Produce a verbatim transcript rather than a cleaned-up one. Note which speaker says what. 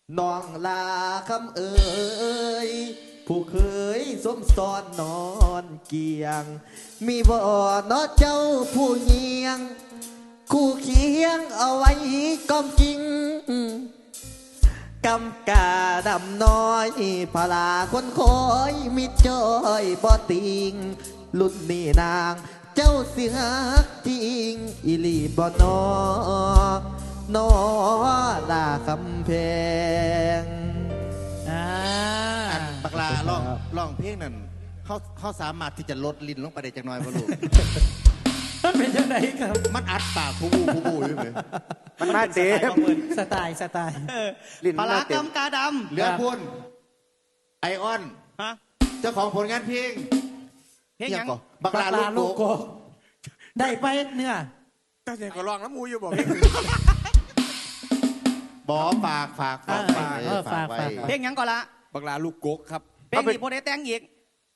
Speaker 1: น้องลาคำเอ่ยผู้เคยสมซ้อนนอนเกียง มีบ่อนอเจ้าผู้เงียง คู่เคียงเอาไว้ก้มกิงกำกาดำน้อยพลาคนคอยมิจอยบ่ติงรุ่นนี้นางเจ้าเสียกจริงอิลีบ่นอนอลาคำแพง
Speaker 2: อ่า
Speaker 3: บักลาร้องร้องเพลงนั่นเขาเขาสามารถที่จะลดลิ้นลงไปได้จักหน่อยบ่ลูก
Speaker 2: มันเป็นยังไงครับ
Speaker 3: มันอัดปากผู้บูผู้บูอยู่ไหม
Speaker 4: มันมาเต็ม
Speaker 2: สไตล์สไตล์
Speaker 4: ลิ้น
Speaker 5: ป
Speaker 4: มั
Speaker 5: ลาน ร้า
Speaker 4: มาเต็ม
Speaker 5: กำกาด
Speaker 3: เหลือพุ่นไอออน
Speaker 5: ำฮะ
Speaker 3: เจ้าของผลงานเพลง
Speaker 5: เพลงยัง
Speaker 3: ก่อนบัก
Speaker 2: ป
Speaker 3: ลา
Speaker 2: ลา
Speaker 3: ลู
Speaker 2: ลู
Speaker 3: ก
Speaker 2: ก
Speaker 3: โก
Speaker 2: โกได้ไปเนื้อ
Speaker 4: ตั้งใจก็ลองน้ำมูอยู่บอก
Speaker 3: บอฝากฝากฝาก
Speaker 2: เออฝาก
Speaker 3: ไว้
Speaker 2: ฝาก
Speaker 5: เพลงยังก่อนละ
Speaker 4: บักลาลูกกกครับ
Speaker 5: เพลงนี้โพได้แต่งอีก